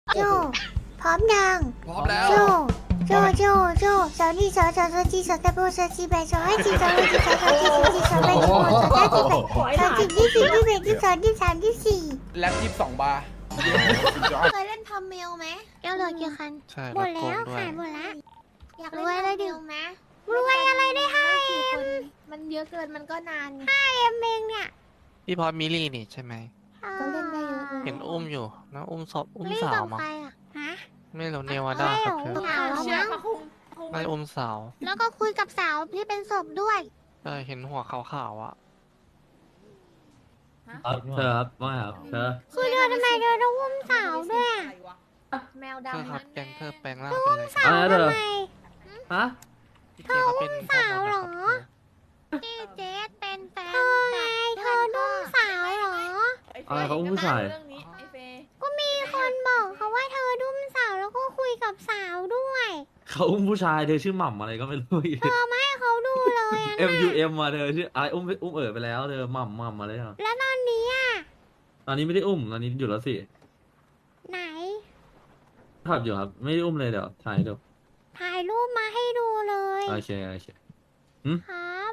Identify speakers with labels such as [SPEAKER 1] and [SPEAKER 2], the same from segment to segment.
[SPEAKER 1] โจพร้อมยัง
[SPEAKER 2] พร้อมแล้ว
[SPEAKER 1] โจสาวนี่สาวจีสาวตะโบสาวจีแบสาวให้จีสาวให้จีสาวจีสาวแบสาวสาวจีแบสาวจีที่4ที่1ที่2ที่3ที่4
[SPEAKER 2] แล็บ22 บาร์
[SPEAKER 3] เคยเล่นทำเมลไหม
[SPEAKER 1] แก้วเหลือกี่คัน
[SPEAKER 4] ใช่
[SPEAKER 1] หมด
[SPEAKER 4] รถโก
[SPEAKER 1] แล้ว
[SPEAKER 4] งด้วย
[SPEAKER 1] ขายหมดแล้ว
[SPEAKER 3] อยากเล่นทำเมลไหม
[SPEAKER 1] รวยอะไรได้5
[SPEAKER 3] กี่คนมันเยอะเกินมันก็นานไง
[SPEAKER 1] เอ็มเองเนี่ย
[SPEAKER 4] พี่พอมิลี่นี่ใช่ไหม
[SPEAKER 3] ก็เล่นได้เยอะเลย
[SPEAKER 4] เห็นอุ้มอยู่นะอุ้มศพอุ้ม
[SPEAKER 1] รีบ
[SPEAKER 4] สา
[SPEAKER 1] กั
[SPEAKER 4] ว
[SPEAKER 1] บ
[SPEAKER 4] มั้ง
[SPEAKER 1] ใครอ่ะฮะ
[SPEAKER 4] ไม่รู้เนวาดาครับเธอ
[SPEAKER 1] สาวแล้วมั้ง
[SPEAKER 4] ไม่อุ้มสาว
[SPEAKER 1] แล้วก็คุยกับสาวที่เป็นศพด้วย
[SPEAKER 4] เห็นหัวขาวๆอ่ะ
[SPEAKER 5] ครับเธอครับว่าไงครับเธอ
[SPEAKER 1] คือเธอทำไมเธอต้องอุ้มสาวด้วยอะ
[SPEAKER 3] แมว
[SPEAKER 4] เธอ
[SPEAKER 3] ดำ
[SPEAKER 4] ครับ
[SPEAKER 3] นั่น
[SPEAKER 4] แกงเธอแปลงร่างเป็นอะไร
[SPEAKER 1] สาว
[SPEAKER 5] อะไรเธ
[SPEAKER 1] ทำ
[SPEAKER 5] อ
[SPEAKER 1] ไม
[SPEAKER 5] ฮะ
[SPEAKER 4] พี่เจเขาเป็น
[SPEAKER 1] สาวเหรอ
[SPEAKER 3] ที่เจสเป็นแฟน
[SPEAKER 1] เธอไงเธอนุ่มสาวเหรอ
[SPEAKER 5] อะไรเขาอุ้มผู้ชาย
[SPEAKER 3] เรื่องนี้ไอเฟย์
[SPEAKER 1] ก็มีคนบอกเขาว่าเธอนุ่มสาวแล้วก็คุยกับสาวด้วย
[SPEAKER 5] เขาอุ้มผู้ชายเธอชื่อหม่ำอะไรก็ไม่รู้อีก
[SPEAKER 1] เธอไม่ให้เขาดูเลยอะ
[SPEAKER 5] MUM มาเธอชื่ออะไรอุ้มไปแล้วเธอหม่ำมาเลยอ่ะ
[SPEAKER 1] แล้วตอนนี้อ่ะ
[SPEAKER 5] ตอนนี้ไม่ได้อุ้มตอนนี้อยู่แล้วสิ
[SPEAKER 1] ไหน
[SPEAKER 5] ขับอยู่ครับไม่ได้อุ้มเลยเดี๋ยวถ่ายให้ดู
[SPEAKER 1] ถ่ายรูปมาให้ดูเลย
[SPEAKER 5] โอเค
[SPEAKER 1] ครับ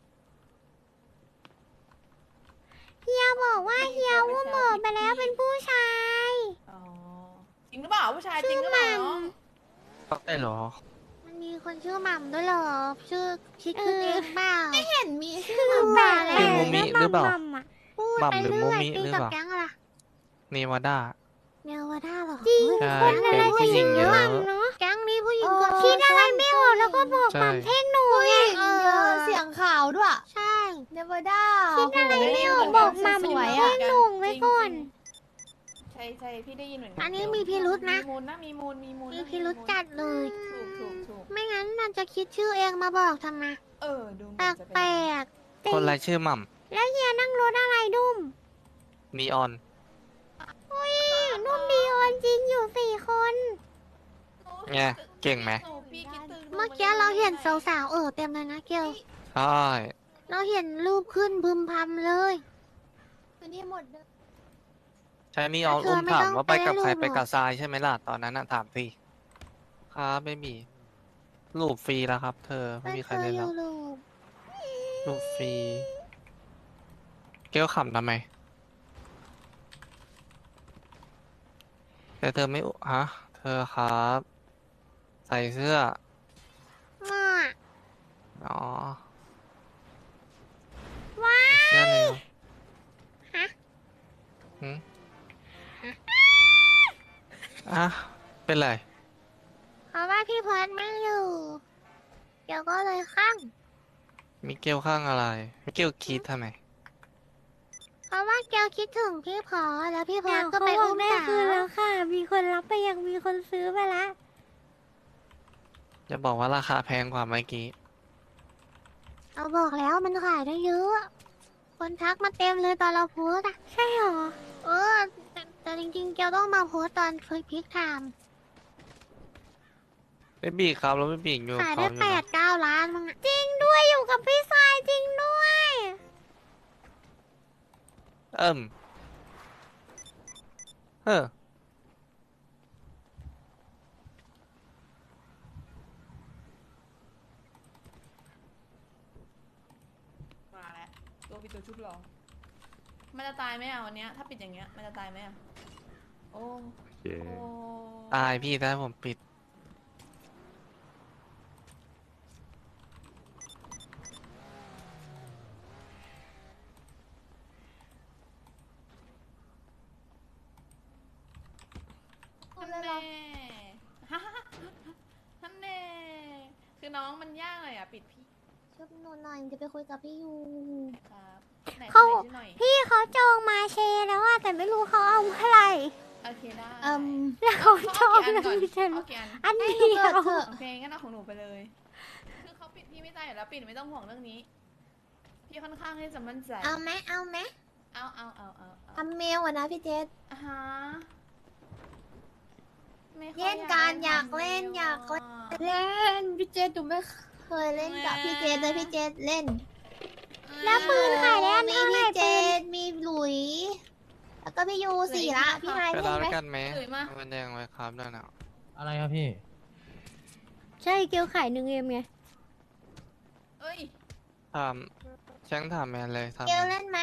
[SPEAKER 1] เฮียบอกว่าเฮียอุ้มเบิกไปแล้วเป็นผู้ชาย
[SPEAKER 6] อ๋อจริงหรือเปล่าผู้ชายจริ
[SPEAKER 1] ชื่
[SPEAKER 6] ง
[SPEAKER 1] อ
[SPEAKER 6] หรือ
[SPEAKER 1] ห
[SPEAKER 6] เป
[SPEAKER 1] ม่
[SPEAKER 6] ล่า
[SPEAKER 4] ได้เหรอ
[SPEAKER 1] มันมีคนชื่อหม่ำด้วยเหรอชื่อคิดขึ้นเองเปล่า
[SPEAKER 3] ไม่เห็นมีชื่อ
[SPEAKER 1] คือ
[SPEAKER 3] ห
[SPEAKER 1] แบ
[SPEAKER 3] มา
[SPEAKER 1] บ
[SPEAKER 4] คือมูมิหรือเปล่า
[SPEAKER 1] พูด
[SPEAKER 4] หม่ำ
[SPEAKER 1] ไป
[SPEAKER 4] หรือ
[SPEAKER 1] เรื่
[SPEAKER 4] มู
[SPEAKER 1] อย
[SPEAKER 4] มิ
[SPEAKER 1] ตี
[SPEAKER 4] หรือ
[SPEAKER 1] กับ
[SPEAKER 4] เปล่า
[SPEAKER 1] แก๊งอะไร
[SPEAKER 4] เนวาดา
[SPEAKER 1] เนวาด้าเหรอจริง
[SPEAKER 4] ใช่
[SPEAKER 1] คนอะไร
[SPEAKER 4] เป็นผู้หญิงเยอะ
[SPEAKER 1] เนาะแก๊งนี้ผู้หญิงเกือบคิดอะไรไม่ออกแล้วก็บอก
[SPEAKER 4] ใช่
[SPEAKER 1] หม่ำเท่งหนูไง
[SPEAKER 3] เยอะเสียงข่าวด้วย
[SPEAKER 1] ใช่
[SPEAKER 3] เนวาด้า
[SPEAKER 1] คิดอะไรไม่ออกบอกหม่ำ
[SPEAKER 3] สวย
[SPEAKER 1] เท่
[SPEAKER 3] อ่ะ
[SPEAKER 1] งหนูไว้ก่อน
[SPEAKER 6] ใช่ใช่พี่ได้ยินเหมือนกั
[SPEAKER 1] อันนี้มีพิรุธนะ
[SPEAKER 6] มีมูลนะมีมูลมีมูล
[SPEAKER 1] มีพิรุธจัดเลย
[SPEAKER 6] ถูก
[SPEAKER 1] ไม่งั้นมันจะคิดชื่อเองมาบอกทำไม
[SPEAKER 6] ดูเห
[SPEAKER 1] แป
[SPEAKER 6] มื
[SPEAKER 1] ล
[SPEAKER 6] อน
[SPEAKER 1] ก
[SPEAKER 6] จะ
[SPEAKER 1] แปล
[SPEAKER 6] เป็น
[SPEAKER 1] ก
[SPEAKER 4] คนรายชื่อหม่
[SPEAKER 1] แล้วเฮียนั่งรถอะไรดุ้ม
[SPEAKER 4] ำนีออน
[SPEAKER 1] อุ้ยนุ่มดีออนจริงอยู่4 คน
[SPEAKER 4] ไงเก่งไหม
[SPEAKER 6] พี่คิดถึง
[SPEAKER 1] เมื่อกี้เราเห็นสาวๆเต็มเลยนะเกล
[SPEAKER 4] ใช่
[SPEAKER 1] เราเห็นรูปขึ้นพึมพำเลย
[SPEAKER 3] พื้นที่หมดเลย
[SPEAKER 4] ใช่นีออน
[SPEAKER 1] เธอ
[SPEAKER 4] อุ้ม
[SPEAKER 1] ไม่
[SPEAKER 4] ถาม
[SPEAKER 1] ต้อง
[SPEAKER 4] ว่าไปกับใคร
[SPEAKER 1] ไปรูปหรอ
[SPEAKER 4] ไปกับทรายใช่ไหมล่ะตอนนั้นน่ะถามสิครับไม่มีรูปฟรีแล้วครับ เธอไม่มีใครเล่นแล้ว
[SPEAKER 1] รูป
[SPEAKER 4] รูปฟรีเกลขำทำไม แต่เธอไม่ฮะ เธอครับ ใส่เสื้อ
[SPEAKER 1] อ่ะ
[SPEAKER 4] อ๋อ
[SPEAKER 1] ว้า
[SPEAKER 4] ใส่เสื้อเร็ว
[SPEAKER 1] ฮะ
[SPEAKER 4] หืมอ่ะ เป็นไร
[SPEAKER 1] เพราะว่าพี่พอดไม่อยู่เกลก็เลยข้าง
[SPEAKER 4] มิเกลข้างอะไร มิเกลคิดทำไม
[SPEAKER 1] เพราะว่าเกลคิดถึงพี่พอแล้วพี่พอก็ไปอุ้มสาวคืนแล้วค่ะ มีคนรับไปยังมีคนซื้อไปแล้ว
[SPEAKER 4] จะบอกว่าราคาแพงกว่าเมื่อกี้
[SPEAKER 1] เราบอกแล้วมันขายได้เยอะ คนทักมาเต็มเลยตอนเราโพสต์อะใช่หรอ แต่จริงๆ เกลต้องมาโพสต์ตอนเฟยพิกไทม์
[SPEAKER 4] ไม่บีครับแล้วไม่บีอยู่
[SPEAKER 1] ขาย
[SPEAKER 4] เขา
[SPEAKER 1] ได้
[SPEAKER 4] อยู่นะ
[SPEAKER 1] 8-9 ล้านมั้งอะจริงด้วยอยู่กับพี่ทรายจริงด้วย
[SPEAKER 4] เอิ่มเออ
[SPEAKER 6] มาแล้วตัวปิดตัวชุบหรอมันจะตายไหมอ่ะวันเนี้ยถ้าปิดอย่างเงี้ยมันจะตายไหมอ่ะโอ้
[SPEAKER 5] โอเค
[SPEAKER 6] โอ้
[SPEAKER 4] ตายพี่ถ้าผมปิด
[SPEAKER 6] ท่านแน่ท่านแน่คือน้องมันยากเลยอ่ะปิดพี่
[SPEAKER 3] ชุบหนูหน่อยจะไปคุยกับพี่ยู
[SPEAKER 6] ครับไหน
[SPEAKER 1] เขา
[SPEAKER 6] ไหนชื่อหน่อย
[SPEAKER 1] พี่เขาจองมาเชแล้วอะแต่ไม่รู้เขาเอาเมื่อไหร่
[SPEAKER 6] โอเคได้
[SPEAKER 1] แล้วเขาจอง
[SPEAKER 6] เอา
[SPEAKER 1] แล้ว
[SPEAKER 6] กี่อันก่อน
[SPEAKER 1] ไม่ใช่เหรอ
[SPEAKER 6] เอากี่อัน
[SPEAKER 1] อัน
[SPEAKER 3] ให้
[SPEAKER 1] เดี
[SPEAKER 3] หนู
[SPEAKER 1] ย
[SPEAKER 3] เปิด
[SPEAKER 1] ว
[SPEAKER 3] เถอะ
[SPEAKER 6] โอเคงั้นเอาของหนูไปเลย คือเขาปิดพี่ไม่ได้อยู่แล้วปิดไม่ต้องห่วงเรื่องนี้ พี่ค่อนข้างที่จะมั่นใจ
[SPEAKER 3] เอาไหมเอาไหม
[SPEAKER 6] เอา
[SPEAKER 3] ทำเมลอ่ะนะพี่เจส
[SPEAKER 6] อ่าฮะไม่ค่อ
[SPEAKER 3] เล่นการอยากเล่นอยากเล่น เล่นพี่เจสดูไม่เคยเล่นกับพี่เจสเลยพี่เจสเล่น
[SPEAKER 1] แล้วปืนขายได้อัน
[SPEAKER 3] มี
[SPEAKER 1] เท่าไหร่
[SPEAKER 3] พี่เจ
[SPEAKER 1] ปืน
[SPEAKER 3] สมีหลุย แล้วก็ก็พี่ยูสี่ละพี่ไฮ
[SPEAKER 4] ไป
[SPEAKER 3] เล่
[SPEAKER 4] รอน
[SPEAKER 3] ไหม
[SPEAKER 4] ด้วยกันไหม
[SPEAKER 6] เอ่ยมา
[SPEAKER 4] มันแดงไว้ครับนั่นน่ะ
[SPEAKER 2] อะไรครับพี่
[SPEAKER 1] ใช่เกลขาย1Mไง
[SPEAKER 6] เอ้ย
[SPEAKER 4] ถามแชงถามแมนเลยถาม
[SPEAKER 3] เกล
[SPEAKER 4] แมน
[SPEAKER 3] เล่นไหม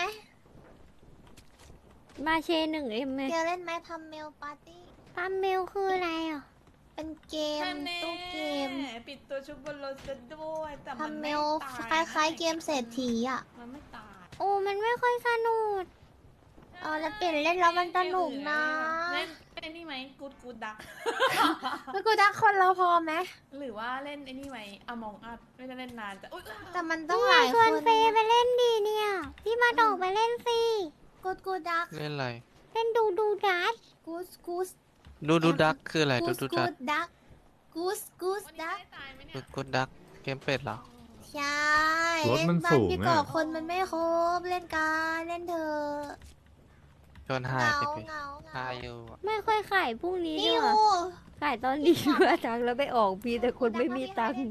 [SPEAKER 1] มาเช 1M ไง
[SPEAKER 3] เกลเล่นไหมพัมเมลปาร์ตี้
[SPEAKER 1] ปั๊มเมลคืออะไรอ่ะ
[SPEAKER 3] เป็นเกม
[SPEAKER 6] ท่านแน่
[SPEAKER 3] ตู้เกม
[SPEAKER 6] ปิดตัวชุบบนรถจะด้วยแต่
[SPEAKER 3] พั
[SPEAKER 6] มัน
[SPEAKER 3] มเม
[SPEAKER 6] ไม่
[SPEAKER 3] ล
[SPEAKER 6] ตาย
[SPEAKER 3] คล้ายๆเกมเศรษฐีอ่ะ
[SPEAKER 6] มันไม่ตาย
[SPEAKER 1] โอ้มันไม่ค่อยสนุก
[SPEAKER 3] แล้วเปลี่ยนเล่นแล้วมันสนุกนะ
[SPEAKER 6] เล่นไอ้นี่ไหมกูดกูดดัก
[SPEAKER 3] แล้วกูดักคนเราพอไหม
[SPEAKER 6] หรือว่าเล่นไอ้นี่ไหมอมองอัดไม่ได้เล่นนานแต่อุ้ย
[SPEAKER 3] แต่มันต้อง
[SPEAKER 1] นี่
[SPEAKER 3] หลาย
[SPEAKER 1] ช
[SPEAKER 3] ค
[SPEAKER 1] วน
[SPEAKER 3] น
[SPEAKER 1] เฟย์ไปเล่นดีเนี่ย พี่มาดอกไปเล่นสิ
[SPEAKER 3] กูดัก
[SPEAKER 4] เล่นอะไร
[SPEAKER 1] เล่นดูดัส
[SPEAKER 3] กูส
[SPEAKER 4] ดูดักคืออะไรดูดัก
[SPEAKER 3] ดักกูส
[SPEAKER 6] วันนี้
[SPEAKER 3] ดัก
[SPEAKER 6] ไม่ได้ตายไหมเนี่
[SPEAKER 4] ดู
[SPEAKER 6] ย
[SPEAKER 4] กูดักเกมเป็ดเหรอ
[SPEAKER 3] ใช่
[SPEAKER 7] รถมัน
[SPEAKER 3] เล่บ้า
[SPEAKER 7] สูง
[SPEAKER 3] พี่
[SPEAKER 7] อะ
[SPEAKER 3] ก่อคนมันไม่ครบเล่นกันเล่นเธอะ
[SPEAKER 4] ชวน
[SPEAKER 3] เห
[SPEAKER 4] หาย
[SPEAKER 3] งา
[SPEAKER 4] ไปพี่
[SPEAKER 3] เหงาเห
[SPEAKER 4] หาง
[SPEAKER 3] า
[SPEAKER 4] อยู่อะ
[SPEAKER 1] ไม่ค่อยขายพรุ่งนี้
[SPEAKER 3] นี่
[SPEAKER 1] ด้
[SPEAKER 3] อ
[SPEAKER 1] วย
[SPEAKER 3] ยู่
[SPEAKER 1] ขายตอนนี้เพื่อตังค์แล้วไม่ออกพี่แต่คนไม่มีตังค์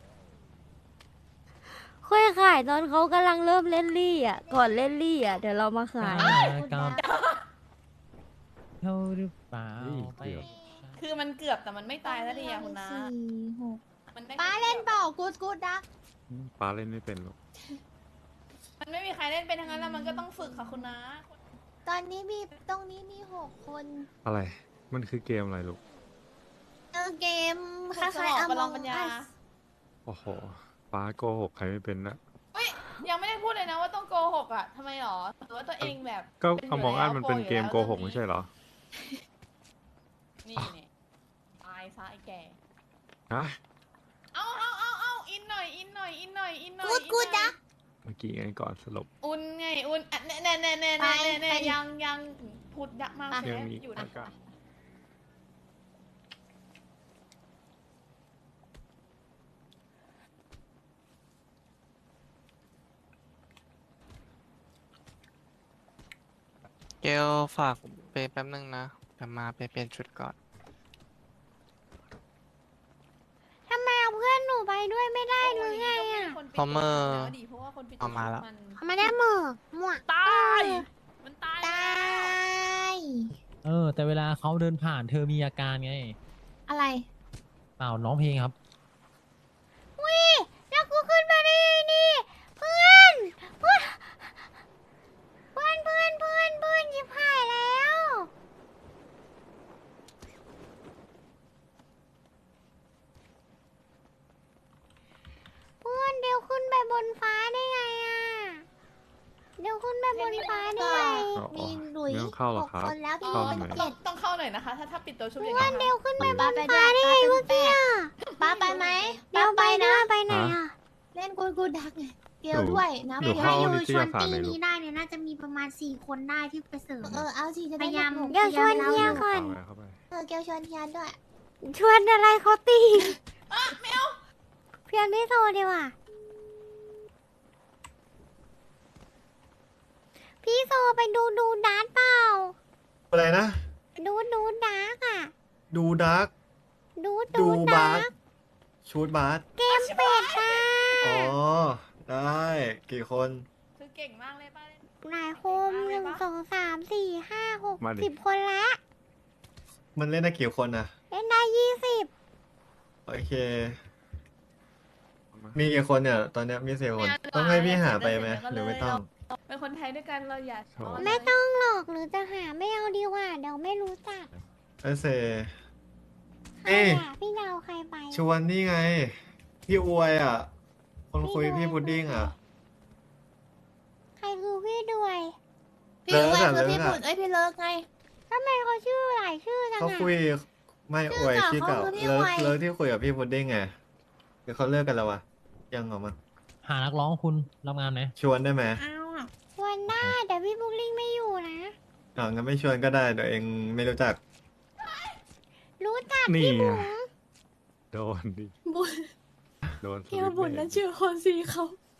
[SPEAKER 1] ค่อยขายตอนเขากำลังเริ่มเล่นลี่อ่ะ ก่อนเล่นลี่อ่ะเดี๋ยวเรามาขาย
[SPEAKER 2] กับเท่าหรือเปล่า
[SPEAKER 7] เฮ้ย
[SPEAKER 2] ไป
[SPEAKER 7] เกือบ
[SPEAKER 6] คือมันเกือบแต่มันไม่ตายแล้วดิอะคุณนะ
[SPEAKER 3] สี่หก
[SPEAKER 6] มันได้
[SPEAKER 3] ป้าเล่นเปล่ากูดัก
[SPEAKER 7] ป้าเล่นไม่เป็นหรอก
[SPEAKER 6] มันไม่มีใครเล่นเป็นทั้งนั้นแล้วมันก็ต้องฝึกค่ะคุณนะ
[SPEAKER 3] ตอนนี้มีตรงนี้มี6 คน
[SPEAKER 7] อะไร มันคือเกมอะไรลูก
[SPEAKER 3] เกมค
[SPEAKER 6] ฝึกสม
[SPEAKER 3] ล้าย
[SPEAKER 6] อง
[SPEAKER 3] ๆ
[SPEAKER 6] ประลอง
[SPEAKER 3] Among
[SPEAKER 6] ปัญญา
[SPEAKER 3] Us
[SPEAKER 7] โอ้โห ป้าโกหกใครไม่เป็นนะ
[SPEAKER 6] เฮ้ยยังไม่ได้พูดเลยนะว่าต้องโกหกอ่ะทำไมหรอหรือว่าตัวเองแบบ
[SPEAKER 7] ก็
[SPEAKER 6] เป็นอยู่
[SPEAKER 7] อมองอัน
[SPEAKER 6] แล้ว
[SPEAKER 7] มันเป็นเกม
[SPEAKER 6] โปร
[SPEAKER 7] โก
[SPEAKER 6] อยู่แล้ว
[SPEAKER 7] หกไม่ใช่เหรอ
[SPEAKER 6] นี่เนี่ยตายซะไอ้แก่
[SPEAKER 7] ฮะ
[SPEAKER 6] เอาอินหน่อยอินหน่อยอินหน่อยอินหน่อย
[SPEAKER 3] กูดัก
[SPEAKER 7] เมื่อกี้ไงก่อนสลบ
[SPEAKER 6] อุ่นไงอุ่นอ่ะแน่แน่แน่แน่
[SPEAKER 3] ไป
[SPEAKER 6] แน่แน่
[SPEAKER 3] ไป
[SPEAKER 6] ยังพูดยักมาก
[SPEAKER 3] อ่ะ
[SPEAKER 6] ใช่
[SPEAKER 7] ยัง
[SPEAKER 6] ไหม
[SPEAKER 7] มี
[SPEAKER 6] อยู่
[SPEAKER 7] อา
[SPEAKER 6] นะ
[SPEAKER 7] กาศ
[SPEAKER 4] เกลฝากไปแป๊บนึงนะจะมาไปเปลี่ยนชุดก่อน
[SPEAKER 1] ทำไมเอาเพื่อนหนูไปด้วยไม่ได้หรือไงอ่ะ
[SPEAKER 4] พอเมอร์
[SPEAKER 6] เพราะว่าคนปิด
[SPEAKER 4] เอามาแล้ว
[SPEAKER 6] น
[SPEAKER 1] เอามาได้หมือหมวก
[SPEAKER 6] ตายมันตาย
[SPEAKER 3] ต
[SPEAKER 6] แล้ว
[SPEAKER 3] าย
[SPEAKER 2] แต่เวลาเขาเดินผ่านเธอมีอาการไง
[SPEAKER 3] อะไร
[SPEAKER 2] เปล่าน้องเพลงครับ
[SPEAKER 1] วิแล้วกูขึ้นมาได้ไงนี่เพื่อนเพื่อนหยิบหายแล้วเพื่อนเดี๋ยวขึ้นไปบนฟ้าได้ไงอ่ะเดี๋ยวขึ้นไปบนฟ้าได้ไง
[SPEAKER 7] อ๋อ
[SPEAKER 3] มีหลุย
[SPEAKER 7] ไม่ต้องเข้าหรอก
[SPEAKER 3] 6
[SPEAKER 7] ครับ
[SPEAKER 3] คนแล้วพี่
[SPEAKER 7] เข้า
[SPEAKER 3] เป็น
[SPEAKER 7] ทำไม
[SPEAKER 6] ต้องเข้าหน่อยนะคะ ถ้าปิดตัวชุบอย่าง
[SPEAKER 1] เพื่อน
[SPEAKER 6] นี้
[SPEAKER 1] เดี๋ยวขึ้นไปบ
[SPEAKER 3] ป้าน ไปด้
[SPEAKER 1] ฟ้า
[SPEAKER 3] วย
[SPEAKER 1] ได้ไงเมื่อกี้อะ
[SPEAKER 3] ป้าไปไหม
[SPEAKER 1] เดี๋ยวไป
[SPEAKER 3] นะ
[SPEAKER 1] นะไปไหนอ่ะ
[SPEAKER 3] เล่นกูดักไงเกลด้วยนะ
[SPEAKER 7] หนูเข้านิตยสารไหนลูก
[SPEAKER 1] เนี่ยน่าจะมีประมาณ4 คนได้ที่ไปเสริม
[SPEAKER 3] เอาสิจะได้
[SPEAKER 1] พยายาม
[SPEAKER 3] หนุกๆ
[SPEAKER 1] เดี๋ยวชวนเฮียก่อน
[SPEAKER 7] เอาไว้เข้าไป
[SPEAKER 3] เกลชวนเฮียด้วย
[SPEAKER 1] ชวนอะไรเขาตีเพียงไม่โทรดีกว่าพี่โซไปดูดาร์กเปล่า
[SPEAKER 8] อะไรนะ
[SPEAKER 1] ดูดาร์กอ่ะ
[SPEAKER 8] ดูดาร์ก
[SPEAKER 1] ดู
[SPEAKER 8] ดูบา
[SPEAKER 1] ดา
[SPEAKER 8] ร์
[SPEAKER 1] ร์ก
[SPEAKER 8] ชูดบาร์
[SPEAKER 1] เกมเป็ดอ่ะ
[SPEAKER 8] อ๋อ ได้กี่คน
[SPEAKER 6] คือเก่งมากเลยป้าเล่น
[SPEAKER 1] หลายโคม1 2 3 4 5 6
[SPEAKER 7] มาดิ
[SPEAKER 1] 10 คนละ
[SPEAKER 8] มันเล่นได้กี่คนนะ
[SPEAKER 1] เล่นได้20
[SPEAKER 8] โอเค มีกี่คนเนี่ย ตอนเนี้ยมี4 คน ต้องให้พี่หาไปไหมหรือไม่ต้อง
[SPEAKER 6] เป็นคนไทยด้วยกันเราอย่า
[SPEAKER 7] โถ่
[SPEAKER 1] ไม่ต้องหรอกหรือจะหาไม่เอาดีกว่าเดี๋ยวไม่รู้จัก
[SPEAKER 8] เอเซ
[SPEAKER 1] ใคร
[SPEAKER 8] เอ๊ะ
[SPEAKER 1] อ่ะพี่ดาวใครไป
[SPEAKER 8] ชวนนี่ไง พี่อวยอ่ะ คนคุยพี่พุดดิ้งอ่ะ
[SPEAKER 1] ใครคือพี่ด้วย
[SPEAKER 3] พี่
[SPEAKER 8] เลิก
[SPEAKER 3] ไว้
[SPEAKER 8] อะ
[SPEAKER 3] คือพี่
[SPEAKER 8] เลิกอะ
[SPEAKER 3] บุญพี่เลิกไง
[SPEAKER 1] ทำไมเขาชื่อหลายชื่อจัง
[SPEAKER 8] เขา
[SPEAKER 1] อ่ะ
[SPEAKER 8] คุยไม่อวย
[SPEAKER 3] ชื่
[SPEAKER 8] ชื่
[SPEAKER 3] อ
[SPEAKER 8] อ
[SPEAKER 3] เก่า
[SPEAKER 8] เก่า
[SPEAKER 3] เขาคือพี่
[SPEAKER 8] เลิ
[SPEAKER 3] อ
[SPEAKER 8] ก
[SPEAKER 3] วย
[SPEAKER 8] เลิกที่คุยกับพี่พุดดิ้งไงเดี๋ยวเขาเลิกกันแล้ววะยังเหรอมั้ง
[SPEAKER 2] หานักร้องคุณรับงานไหม
[SPEAKER 8] ชวนได้ไหม
[SPEAKER 1] เอาอ่ะชวนได้แต่พี่บุ๊กลิงไม่อยู่นะ
[SPEAKER 8] อ๋องั้นไม่ชวนก็ได้เดี๋ยวเองไม่รู้จัก
[SPEAKER 1] รู้จัก
[SPEAKER 7] นี่
[SPEAKER 1] พี่บุ๋
[SPEAKER 7] ไง
[SPEAKER 1] ม
[SPEAKER 7] โดนดิ
[SPEAKER 3] บุญ
[SPEAKER 7] โดนส
[SPEAKER 3] เกล
[SPEAKER 7] วิตช์
[SPEAKER 3] บุญ
[SPEAKER 7] เบร
[SPEAKER 3] นั่
[SPEAKER 7] ก
[SPEAKER 3] นชื่อคนสีเขา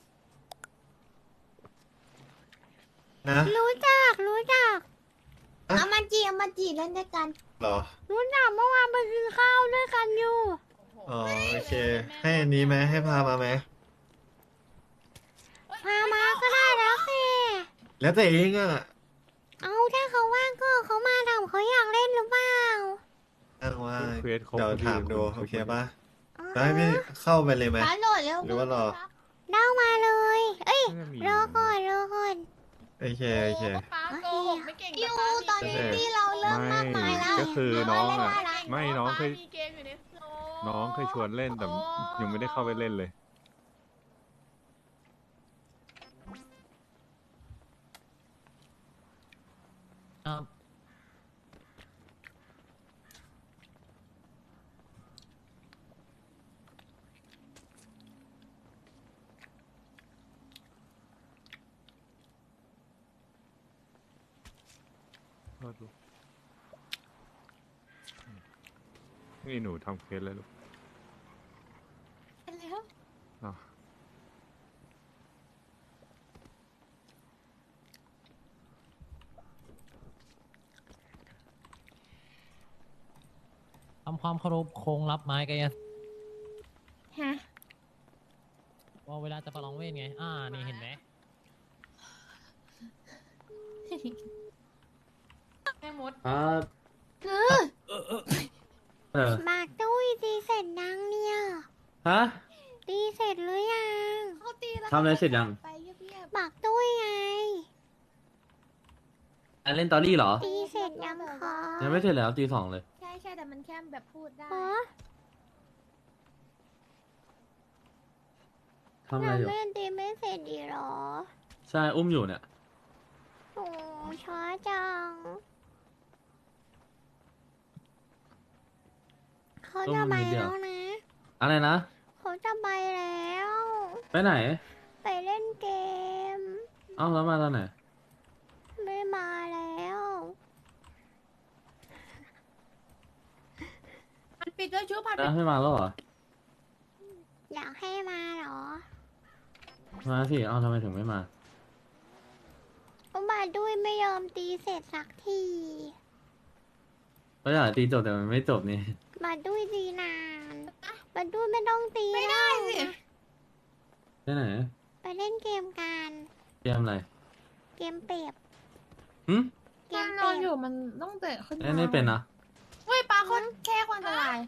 [SPEAKER 8] นะ
[SPEAKER 1] รู้จัก
[SPEAKER 3] เอามาจีเล่นด้วยกัน
[SPEAKER 8] เหรอ
[SPEAKER 1] รู้จักเมื่อวานไปกินข้าวด้วยกันอยู่
[SPEAKER 8] อ๋อโอเค ให้อันนี้ไหมให้พามาไหม
[SPEAKER 1] พามาก็ได้แล้วสิ
[SPEAKER 8] แล้วแต่เองอ่ะ
[SPEAKER 1] เอาถ้าเขาว่าง
[SPEAKER 7] เควสครบ
[SPEAKER 8] เดี๋ยว
[SPEAKER 7] พอ
[SPEAKER 8] ถามดู
[SPEAKER 7] ครบ
[SPEAKER 8] โอเค
[SPEAKER 7] พอดี
[SPEAKER 8] ปะจะให้พี่เข้าไปเลยไหม
[SPEAKER 3] ป้าโหลดเร็ว
[SPEAKER 8] หรือว่ารอ
[SPEAKER 1] เล่ามาเลย เอ้ย
[SPEAKER 7] น่าจะมี
[SPEAKER 1] รอก่อนรอก่อน
[SPEAKER 8] โอเคโอเค
[SPEAKER 6] ป้าโกหกไม่เก่ง
[SPEAKER 3] อยู่
[SPEAKER 6] ป้า
[SPEAKER 3] ตอนนี้ที่เราเริ่มมากมายแล้ว
[SPEAKER 7] ก็คือน้องอ่ะ
[SPEAKER 3] เล่นได้
[SPEAKER 7] ไม่น้องเคย
[SPEAKER 6] มีเกมอยู่ในโลก
[SPEAKER 7] น้องเคยชวนเล่นแต่ยังไม่ได้เข้าไปเล่นเลย
[SPEAKER 2] ครับ
[SPEAKER 7] โทษลูกนี่หนูทำเควสเลยลูก
[SPEAKER 3] แล้ว
[SPEAKER 7] อ้าว
[SPEAKER 2] ทำความเคารพโค้งรับไม้กายสิทธิ์
[SPEAKER 3] ฮะ
[SPEAKER 2] ว่าเวลาจะประลองเวทไง นี่เห็นไหม
[SPEAKER 6] แม่มด
[SPEAKER 5] ครับ
[SPEAKER 3] คือ
[SPEAKER 5] เออ
[SPEAKER 1] หมากตุ้ยตีเสร็จยังเนี่ย
[SPEAKER 5] ฮะ
[SPEAKER 1] ตีเสร็จหรือยัง
[SPEAKER 3] เขาตีแล้ว
[SPEAKER 5] ทำอะไรเสร็จยัง
[SPEAKER 3] ไปเงียบ
[SPEAKER 1] หมากตุ้ยไง
[SPEAKER 5] อันเล่นตอรี่เหรอ
[SPEAKER 1] ตีเสร็จยังคะ
[SPEAKER 5] ยังไม่เสร็จแล้วตี 2เลย
[SPEAKER 3] ๆใช่ใช่แต่มันแค่แบบพูดได้
[SPEAKER 1] อ๋อ
[SPEAKER 5] ทำอะไร
[SPEAKER 1] เรา
[SPEAKER 5] อยู่
[SPEAKER 1] ไม่ตีไม่เสร็จดีหรอ
[SPEAKER 5] ใช่อุ้มอยู่เนี่ย
[SPEAKER 1] โอ้ช้าจัง เขาจะไปแล้วนะ
[SPEAKER 5] อะไรนะ
[SPEAKER 1] เขาจะไปแล้ว
[SPEAKER 5] ไปไหน
[SPEAKER 1] ไปเล่นเกม
[SPEAKER 5] เอ้าแล้วมาตอนไหน
[SPEAKER 1] ไม่มาแล้ว
[SPEAKER 3] มันปิดด้วยชุบผัด
[SPEAKER 5] นะไม่มาแล้วเหรอ
[SPEAKER 1] อยากให้มาเหรอ
[SPEAKER 5] มาสิ เอ้าทำไมถึงไม่มา
[SPEAKER 1] ก็มาด้วยไม่ยอมตีเสร็จสักที
[SPEAKER 5] ก็อยากตีจบแต่มันไม่จบนี่
[SPEAKER 1] มาด้วยตีนานมาด้วยไม่ต้องตี
[SPEAKER 3] ไม่ได้สิ
[SPEAKER 5] ไปไหน
[SPEAKER 1] ไปเล่นเกมกัน
[SPEAKER 5] เตรียมอะไร
[SPEAKER 1] เกมเปรียบ
[SPEAKER 5] หึ
[SPEAKER 1] เก
[SPEAKER 3] การ
[SPEAKER 1] ม
[SPEAKER 3] น
[SPEAKER 1] เป
[SPEAKER 3] อ
[SPEAKER 1] รี
[SPEAKER 3] น
[SPEAKER 1] ย
[SPEAKER 3] อบ ยู่มันต้องเตะขึ้น
[SPEAKER 5] เล่นไม่เป็นนะ
[SPEAKER 3] เฮ้ยปลาคนแค่คนอันตราย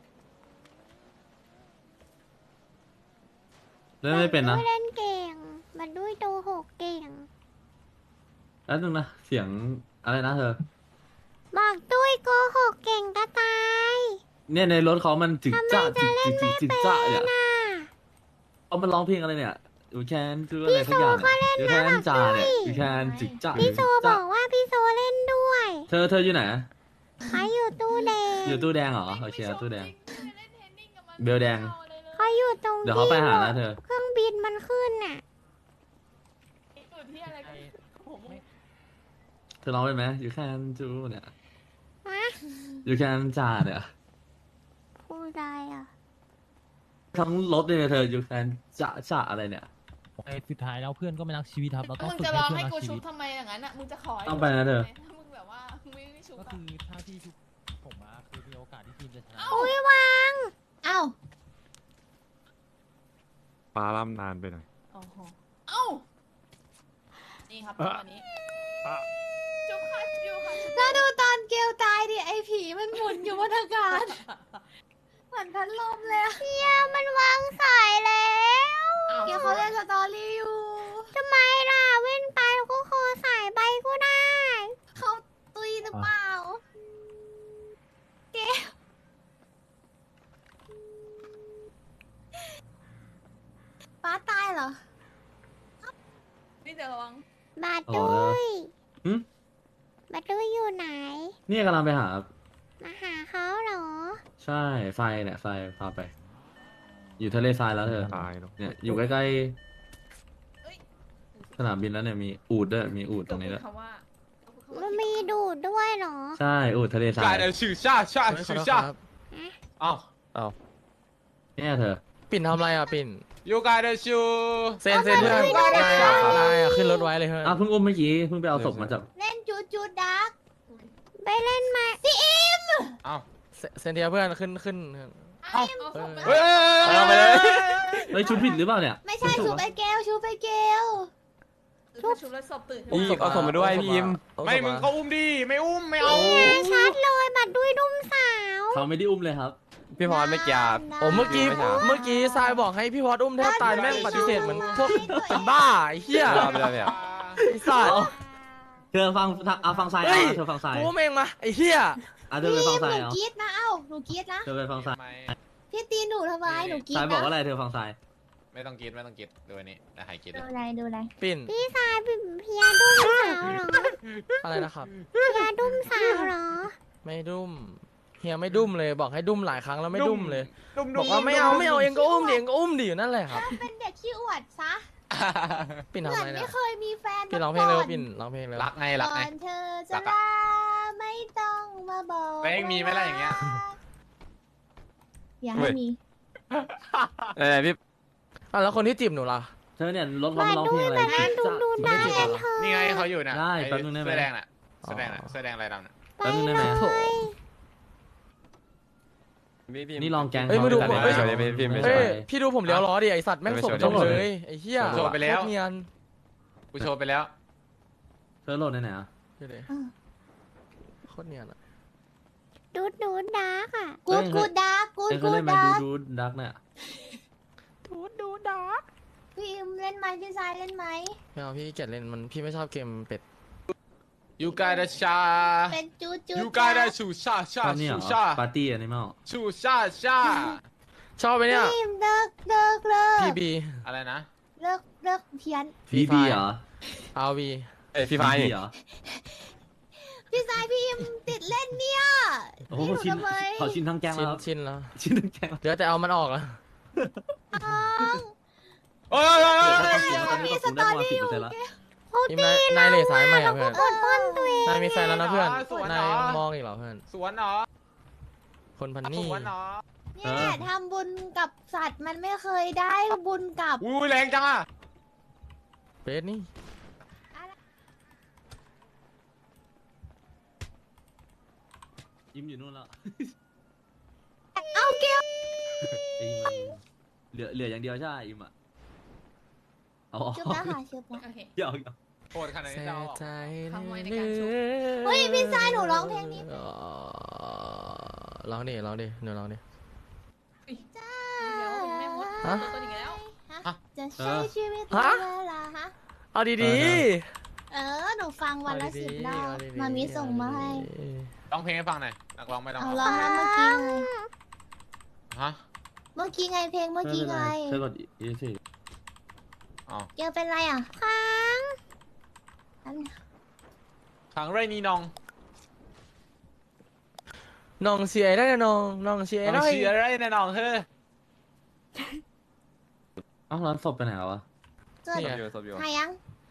[SPEAKER 5] เล่นไม่เป็นนะ
[SPEAKER 1] มาด้วยเล่นเก่งมาด้วยโตหกเก่ง
[SPEAKER 5] แล้วนึงนะ เสียงอะไรนะเธอ
[SPEAKER 1] บอกตุ้ยโกหกเก่งก็ตาย
[SPEAKER 5] เนี่ยในรถเขามันจึกจ้าจึกจึกจึกจึกจ้าเนี่ย
[SPEAKER 1] น่ะ
[SPEAKER 5] เขามันร้องเพลงอะไรเนี่ยอยู่แคนคืออะไรสักอย่างเนี่ยอยู่แคนจ่าเนี่ยอยู่แคนจึกจ้า
[SPEAKER 1] พี่โซ
[SPEAKER 5] จึก
[SPEAKER 1] บ
[SPEAKER 5] จ้า
[SPEAKER 1] อกว่าพี่โซเล่นด้วย
[SPEAKER 5] เธออยู่ไหน
[SPEAKER 1] เขาอยู่ตู้แดง
[SPEAKER 5] อยู่ตู้แดงเหรอโอเคตู้แดง เบลแดง
[SPEAKER 1] เขาอยู่ตรง
[SPEAKER 5] เดี๋ยวเขาไปหานะเธอ
[SPEAKER 1] เครื่องบินมันขึ้นน่ะ
[SPEAKER 6] อยู่ที่อะไรกันผม
[SPEAKER 5] เธอร้องเป็นไหมอยู่แคนจูเนี่ย
[SPEAKER 1] ฮะ
[SPEAKER 5] อยู่แคนจ่าเนี่ย
[SPEAKER 1] พูดได้อ่ะ
[SPEAKER 5] ทั้งรถเลยเธออยู่แคนจ่าอะไรเนี่ย
[SPEAKER 2] ไอ้สุดท้ายแล้วเพื่อนก็ไม่รักชีวิตครับ เราต้อง
[SPEAKER 6] มึง
[SPEAKER 2] ฝึก
[SPEAKER 6] จะ
[SPEAKER 2] ให้
[SPEAKER 6] ร้อง
[SPEAKER 2] เพื่อน
[SPEAKER 6] ให้
[SPEAKER 2] รัก
[SPEAKER 6] กู
[SPEAKER 2] ชี
[SPEAKER 6] ชุบ
[SPEAKER 2] วิต
[SPEAKER 6] ทำไมอย่างนั้นอ่ะมึงจะขอให้
[SPEAKER 5] ต้องไปนะเธอ
[SPEAKER 6] ถ้ามึงแบบว่าไม่ชุบ
[SPEAKER 2] ก็
[SPEAKER 6] อะ
[SPEAKER 2] คือถ้าพี่ชุบผมมาคือมีโอกาสที่ทีมจะชนะ
[SPEAKER 1] อุ้ยวาง
[SPEAKER 3] เอ้า
[SPEAKER 7] ฟ้าล่ำนานไปหน่อย
[SPEAKER 6] โอ้โหเอ้านี่ครับตอนนี้จุ๊บค่ะจุ๊บค่ะจุ๊บ
[SPEAKER 3] แล้วดูตอนเกลตายดิไอผีมันหมุนอยู่บนอากาศเหมือนพัดลมเลยอะ
[SPEAKER 1] เนี่ยมันวางสายแล้ว
[SPEAKER 3] เกลเขาเล่นสตอรี่อยู่
[SPEAKER 1] ทำไมล่ะเว้นไปก็คอสายไปก็ได้
[SPEAKER 3] เขาตุยหรือเปล่าเกลป้าตายเหรอ
[SPEAKER 6] นี่เดี๋ยวระวัง
[SPEAKER 1] มา
[SPEAKER 5] อ๋อ
[SPEAKER 1] ด้
[SPEAKER 5] แล้ว
[SPEAKER 1] วย
[SPEAKER 5] หึ
[SPEAKER 1] มาด้วยอยู่ไหน
[SPEAKER 5] เนี่ยกำลังไปหา
[SPEAKER 1] มาหาเขาเหรอ
[SPEAKER 5] ใช่ไฟเนี่ยไฟพาไป อยู่ทะเลทรายแล้วเธอ
[SPEAKER 7] ตายแล้ว
[SPEAKER 5] เนี่ยอยู่ใกล้
[SPEAKER 6] เอ้ย
[SPEAKER 5] ๆสนามบินแล้วเนี่ยมีอูดด้วยมีอูดตรงนี้ด้วย
[SPEAKER 6] คำว่า
[SPEAKER 1] มันมีดูดด้วยเหรอ
[SPEAKER 5] ใช่อูดทะเลทราย
[SPEAKER 4] ชื่อชาชื่อชาเอ้า
[SPEAKER 5] เนี่ยเธอ
[SPEAKER 4] ปิ่นทำอะไรอ่ะปิ่น
[SPEAKER 9] You got a shoe
[SPEAKER 4] เซ็นเซ็นเพื่อนนายอ่ะขึ้นรถไว้เลยเพื่อน
[SPEAKER 5] อ้าวเพิ่งอุ้มเมื่อกี้เพิ่งไปเอาศพมาจาก
[SPEAKER 3] เล่นจูดจูดดัก
[SPEAKER 1] ไปเล่นมา
[SPEAKER 9] เอ้า
[SPEAKER 4] เซ็นเทียเพื่อนขึ้น
[SPEAKER 6] เอ้า
[SPEAKER 9] เฮ้ย
[SPEAKER 4] เอาไปเลย
[SPEAKER 5] เฮ้ยชุดผิดหรือเปล่าเนี่ย
[SPEAKER 3] ไม่ใช่ชูไปเกลชูไปเกล
[SPEAKER 6] ชุบแล้วศพตื่น
[SPEAKER 4] อุ้มศพเอาศพมาด้วยพี่ยิม
[SPEAKER 9] ไม่มึงก็อุ้มดิ ไม่อุ้ม ไม่เอา
[SPEAKER 1] ชัดเลยบัดด้วยดุ้มสาว
[SPEAKER 5] เขาไม่ได้อุ้มเลยครับ
[SPEAKER 9] พี่พรไม่กี่
[SPEAKER 3] โอ้เมื่อกี้
[SPEAKER 9] ทรายบอกให้พี่พรอุ้มแทบตายแม่งปฏิเสธเหมือนพวกเป็นบ้าไอ้เหี้ยไปแล้วเนี่ยไอ้สัตว์
[SPEAKER 5] เธอฟังฟังทราย
[SPEAKER 9] เฮ้ย
[SPEAKER 5] เธอฟังทราย
[SPEAKER 9] กูเองมาไอ้เหี้ย
[SPEAKER 5] เธอไปฟังทราย
[SPEAKER 3] หนูกรีดนะหนูกรีดนะ
[SPEAKER 5] เธอไปฟังทราย
[SPEAKER 3] พี่ตีหนูทำไมหนูกรีด
[SPEAKER 5] ทราย
[SPEAKER 3] นะ
[SPEAKER 5] บอกว่าอะไรเธอฟังทราย
[SPEAKER 9] ไม่ต้องกินดูอันนี้แต่ให้กิน
[SPEAKER 3] ดูอะไร
[SPEAKER 9] ปิ่น
[SPEAKER 1] พี่สายเป็นเพียดุ้มสาวเหรอ
[SPEAKER 9] อะไรนะครับ
[SPEAKER 1] เพียดุ้มสาวเหรอ ไม่
[SPEAKER 9] ไม่ดุ้มเฮียไม่ดุ้มเลยบอกให้ดุ้มหลายครั้งแล้วไม่ดุ้มเลยบอกว่าไม่เอาเองก็อุ้มดิเองก็อุ้มดิอยู่นั่นแหละครับ
[SPEAKER 3] เป็นเด็กขี้อวดซะ
[SPEAKER 9] ปิ่น
[SPEAKER 3] เห
[SPEAKER 9] ทำ
[SPEAKER 3] มือ
[SPEAKER 9] อะไร
[SPEAKER 3] น
[SPEAKER 9] เนี่
[SPEAKER 3] ไม่
[SPEAKER 9] ย
[SPEAKER 3] เคยมีแฟน
[SPEAKER 9] ปิ่นร้องเพลงเร็วปิ่นร้องเพลงเร็ว
[SPEAKER 4] รักไงรัก
[SPEAKER 3] ก่
[SPEAKER 4] ไง
[SPEAKER 3] อนเธอจะ
[SPEAKER 4] รักอะ
[SPEAKER 3] ลาไม่ต้องมาบอก
[SPEAKER 4] เพลงมีไหมล่ะอย่างเงี้ย
[SPEAKER 3] อย่าให้มี
[SPEAKER 9] พี่แล้วคนที่จีบหนูล่ะ
[SPEAKER 5] เธอเนี่ยรถเขามาร้องเพลงอะไร
[SPEAKER 1] ดู
[SPEAKER 9] ไม่ได้จีบเหรอ
[SPEAKER 4] นี่ไงเขาอยู่น่ะ
[SPEAKER 5] ได้
[SPEAKER 4] อ้
[SPEAKER 5] แป๊บนึงได้ไหม
[SPEAKER 4] เสื้อแดงน่ะเสื้อแดงน่ะเสื้อแดงอะไรดำน่ะ
[SPEAKER 5] แป๊บนึงได้ไหม
[SPEAKER 9] โถ
[SPEAKER 5] นี่ลองแกง
[SPEAKER 9] เฮ้ยมาดู
[SPEAKER 5] เขา
[SPEAKER 9] ผม
[SPEAKER 5] ได้
[SPEAKER 9] เฮ้ย
[SPEAKER 5] ไหม
[SPEAKER 9] เฮ้ยพี่ดูผมเลี้ยวล้อดิไอสัตว์แม่งสมจมเลยไอ้เหี้ย
[SPEAKER 4] โชว์ไปแล้ว
[SPEAKER 9] โคตรเนียน
[SPEAKER 4] กูโชว์ไปแล้ว
[SPEAKER 5] เธอโหลดไหนอ่ะ
[SPEAKER 9] ดูดิโคตรเนียนอะ
[SPEAKER 1] ดูดาร์กอ่ะ
[SPEAKER 3] กูดดาร์กกู
[SPEAKER 5] เธอเค
[SPEAKER 3] กู
[SPEAKER 5] ยเล่นไหม
[SPEAKER 3] ดาร์ก
[SPEAKER 5] ดูดักเนี่ย
[SPEAKER 9] ดูดาร์ก
[SPEAKER 3] พี่อิมเล่นไหมพี่ทรายเล่นไหม
[SPEAKER 9] ไม่เอาพี่เกลียดเล่นมันพี่ไม่ชอบเกมเป็ด
[SPEAKER 4] ยูกาดาชา
[SPEAKER 3] เป็นจูจู
[SPEAKER 4] ยูกาดาชูชาชา
[SPEAKER 5] ชอบนี่เหร
[SPEAKER 4] ชู
[SPEAKER 5] อ
[SPEAKER 4] ชา
[SPEAKER 5] ปาร์ตี้อันนี้มั้ง
[SPEAKER 4] ชูชาชา
[SPEAKER 9] ชอบไปเนี่ย
[SPEAKER 3] พี่อิมเลิก
[SPEAKER 9] พีบี
[SPEAKER 4] อะไรนะ
[SPEAKER 3] เลิกเพี้ยน
[SPEAKER 5] บีบีเหรอ
[SPEAKER 9] อาวี
[SPEAKER 7] พี่ไฟ
[SPEAKER 5] บีเหรอ
[SPEAKER 3] พี่ทรายพี่อิมติดเล่นเนี่ย
[SPEAKER 5] โอ้โห
[SPEAKER 3] พี่
[SPEAKER 5] ชิน
[SPEAKER 3] ทำไม
[SPEAKER 5] เขาชินทั้งแกง
[SPEAKER 9] ชิน
[SPEAKER 5] แล้ว
[SPEAKER 9] ชินแล้ว
[SPEAKER 5] ชินทั้งแกงแล้ว
[SPEAKER 9] เดี๋ยวแต่เอามันออกแล้ว
[SPEAKER 4] โอ้ย
[SPEAKER 5] ตอนนี้ก็คงได้ประมาณ10%แล้ว
[SPEAKER 9] ทีมนายเหล่สายใหม่อะเพื่อน
[SPEAKER 1] อดป้อนตัวเอง
[SPEAKER 9] นายมีแฟนแล้วนะเพื่อนนายมองอีกเหรอเพื่อน
[SPEAKER 4] สวนเหรอ
[SPEAKER 9] คนพัน
[SPEAKER 4] ส
[SPEAKER 9] นี่
[SPEAKER 4] วนเหรอ
[SPEAKER 3] เนี่ยทำบุญกับสัตว์มันไม่เคยได้บุญกับ
[SPEAKER 4] อุ้ยแรงจังอ่ะ
[SPEAKER 9] เบสนี่
[SPEAKER 5] ยิ้มอยู่นู่นแล้ว
[SPEAKER 3] เอาเกล
[SPEAKER 5] ไอ้มันเหลืออย่างเดียวใช่ไหมอิมอ่ะเอาออก
[SPEAKER 3] ชุบแล้วค่ะชุบแล้ว
[SPEAKER 6] โอเค
[SPEAKER 5] เดี๋ยว
[SPEAKER 4] โหดขนาด
[SPEAKER 9] เสี
[SPEAKER 4] นี้
[SPEAKER 9] ย
[SPEAKER 4] จะเอาออก
[SPEAKER 9] ใจ
[SPEAKER 6] ขโมยในการชุบ
[SPEAKER 3] เฮ้ยพี่ทรายหนูร้องเพลงนี้
[SPEAKER 9] ร้องดิหนูร้องดิ
[SPEAKER 3] จ้า
[SPEAKER 6] เดี๋ยวแม่มด
[SPEAKER 9] ฮะ
[SPEAKER 6] ตัวอีกแล้ว
[SPEAKER 3] จะใช้ชีวิต
[SPEAKER 9] ฮะ
[SPEAKER 3] เวลาฮะ
[SPEAKER 9] เอาดี
[SPEAKER 3] หนูฟัง
[SPEAKER 9] ๆ
[SPEAKER 3] วันละ
[SPEAKER 9] เอาดี
[SPEAKER 3] 10
[SPEAKER 9] ๆ
[SPEAKER 3] รอบ
[SPEAKER 9] เอาดีๆ
[SPEAKER 3] มามีส่งมาให้
[SPEAKER 4] ร้องเพลงให้ฟังหน่อยนักร้องไม่ต้อง
[SPEAKER 3] เอา
[SPEAKER 4] ร้อง
[SPEAKER 3] ร้องนะเมื่อกี้ไง
[SPEAKER 4] ฮะ
[SPEAKER 3] เมื่อกี้ไงเพลงเมื่อกี้ไง
[SPEAKER 5] เธอกดอีสิ
[SPEAKER 4] อ๋อ
[SPEAKER 3] เกลเป็นไรอ่ะ
[SPEAKER 1] ค้าง
[SPEAKER 4] ขังไรนี่น้อง
[SPEAKER 9] น้องเสียได้นะน้องเสีย
[SPEAKER 4] น้
[SPEAKER 9] ได้
[SPEAKER 4] องเชียร์ไรนะน้องเฮ้ย
[SPEAKER 5] เอ้าร้านศพไปไหนวะ
[SPEAKER 3] เกิด
[SPEAKER 9] เนี่ย
[SPEAKER 3] หายัง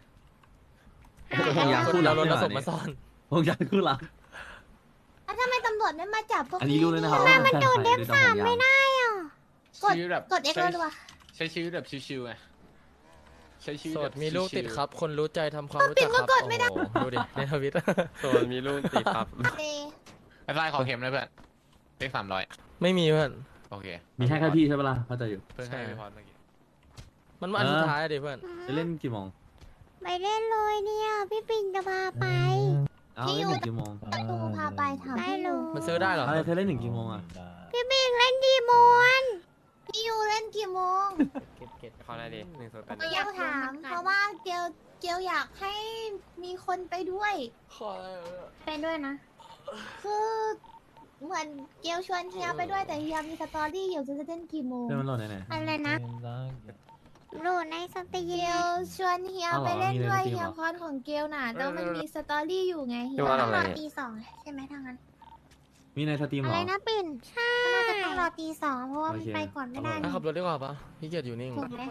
[SPEAKER 5] อยาก
[SPEAKER 9] คน
[SPEAKER 5] พูด
[SPEAKER 9] เรา
[SPEAKER 5] แล้ว
[SPEAKER 9] โดนผสมมาซ่อน
[SPEAKER 5] ผมอยากพูดละ
[SPEAKER 3] แล้วทำไมตำรวจไม่มาจับพวก
[SPEAKER 5] อันนี้รู้เลยนะครับ
[SPEAKER 3] เนี่ย
[SPEAKER 5] ว่ามันโดนเด็บสามไม่ได้
[SPEAKER 4] ชีวิตแบบ
[SPEAKER 3] กด X แล้วดีกว่า
[SPEAKER 4] ใช้ชีวิตแบบชิวๆไงใช้ชีวิต
[SPEAKER 9] โส
[SPEAKER 4] แบ
[SPEAKER 9] ด
[SPEAKER 4] บ
[SPEAKER 9] มีลูก
[SPEAKER 4] ชิวๆ
[SPEAKER 9] ติดครับ คนรู้ใจทำความรู้จักครับ โอ้โหดูดิในทวิต
[SPEAKER 7] โซนมีลูกติดครับ
[SPEAKER 3] เด
[SPEAKER 4] ไอ้ไฟขอเข็มเลยเพื่อนเลข300
[SPEAKER 9] ไม่มีเพื่อน
[SPEAKER 4] โอเค
[SPEAKER 5] มีแค่พี่ใช่ปะล่ะเข้าใจอยู่
[SPEAKER 4] เพิ่งให้ไปพอเมื่อกี้
[SPEAKER 9] มันมาอันสุดท้ายอะดิเพื่อน
[SPEAKER 5] จะเล่นกี่โมง
[SPEAKER 1] ไปเล่นเลยเนี่ย พี่ปิ่นจะพาไป
[SPEAKER 5] เอาเล่นถึงกี่โมง
[SPEAKER 3] ตูพาไปถาม
[SPEAKER 1] ได้
[SPEAKER 3] พี่
[SPEAKER 1] เล
[SPEAKER 3] ยู
[SPEAKER 1] ย
[SPEAKER 9] มันซื้อได้เหรอ
[SPEAKER 5] อะไรเธอเล่นถึงกี่โมงอ่ะ
[SPEAKER 1] พี่ปิ่นเล่นดีมวน
[SPEAKER 3] พี่ยูเล่นกี่โมง
[SPEAKER 7] เข้าได้ดิ108
[SPEAKER 3] ก็อยากถาม เพราะว่าเกลอยากให้มีคนไปด้วย
[SPEAKER 1] ไปด้วยนะ
[SPEAKER 3] คือเหมือนเกลชวนเฮียไปด้วยแต่เฮียมีสตอรี่อยู่จะเล่นกี่โมง
[SPEAKER 5] เพื่อนมันโหลดไหน
[SPEAKER 1] อะไรนะโหลดในสตรี
[SPEAKER 3] เก
[SPEAKER 1] ม
[SPEAKER 3] ลชวนเฮีย
[SPEAKER 5] เอาเหรอ
[SPEAKER 3] ไปเล่นด้วย
[SPEAKER 5] มีในสตรีม
[SPEAKER 3] เฮีย
[SPEAKER 5] เหรอ
[SPEAKER 3] พรของเกลน่ะแล้วมันมีสตอรี่อยู่ไงเฮีย
[SPEAKER 7] พี่ว่า
[SPEAKER 1] ต้อง
[SPEAKER 7] อะไร
[SPEAKER 1] รอ
[SPEAKER 7] เนี่ย
[SPEAKER 1] ตีสองใช่ไหมทางนั้น
[SPEAKER 5] มีในสตรีมเห
[SPEAKER 1] อะ
[SPEAKER 5] ร
[SPEAKER 1] ไร
[SPEAKER 5] อ
[SPEAKER 1] นะปิ่น ใช่น่าจะต้องรอตีสองเพราะว่ามัน
[SPEAKER 5] โอเค
[SPEAKER 1] ไปก่อนไม่ได้
[SPEAKER 9] ถ้าขับรถดีกว่าปะพี่เกียรอยู่นิ่ง
[SPEAKER 1] ถูกไหม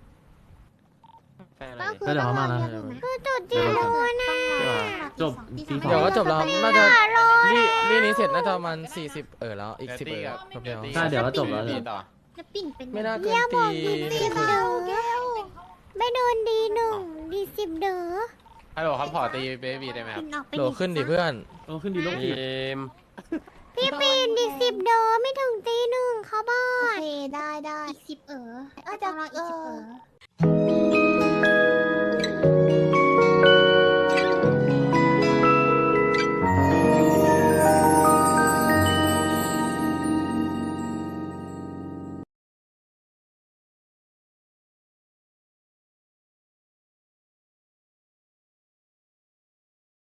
[SPEAKER 3] ก็คือ
[SPEAKER 5] ก็เดี๋ยว
[SPEAKER 3] ต้อง
[SPEAKER 5] เขา
[SPEAKER 3] รอ
[SPEAKER 5] มานะ
[SPEAKER 3] เฮียถูกไหม
[SPEAKER 1] คือจุดเดียวเลยนะ
[SPEAKER 5] จบตีสอง
[SPEAKER 9] เดี๋ยวก็จบแล้วน่าจะ
[SPEAKER 1] รอ
[SPEAKER 9] รีนี้เสร็จน่าจะประมาณ40แล้วอีก10แป๊บเดียว
[SPEAKER 5] ใช่เดี๋ยวก็จบแล้ว
[SPEAKER 4] ตีต่อ
[SPEAKER 1] จะปิ่นเป็น
[SPEAKER 9] ไม่น่าเกิ
[SPEAKER 1] เยี่
[SPEAKER 9] น
[SPEAKER 1] ยบ
[SPEAKER 9] ตี
[SPEAKER 1] อกดีสิบ
[SPEAKER 9] ครึ่ง
[SPEAKER 1] เด้อไม่โดนดีหนึ่งดีสิบเด้อ
[SPEAKER 4] ฮัลโหลครับขอตีเบบี้ได้ไหมครับ
[SPEAKER 1] ปิ่นออกไป
[SPEAKER 9] โหลขึ้นดิเพื่อน
[SPEAKER 5] โอ้ขึ้นดีลูก
[SPEAKER 7] ที
[SPEAKER 5] ผิด
[SPEAKER 7] ม
[SPEAKER 1] พี่ปิ่นดีสิบเด้อไม่ถึงตีหนึ่งเขาบอ
[SPEAKER 3] โอก เคได้
[SPEAKER 1] อีกสิบ
[SPEAKER 3] อาจ
[SPEAKER 1] จะ
[SPEAKER 3] จะ
[SPEAKER 1] รออีกสิบ
[SPEAKER 3] เออ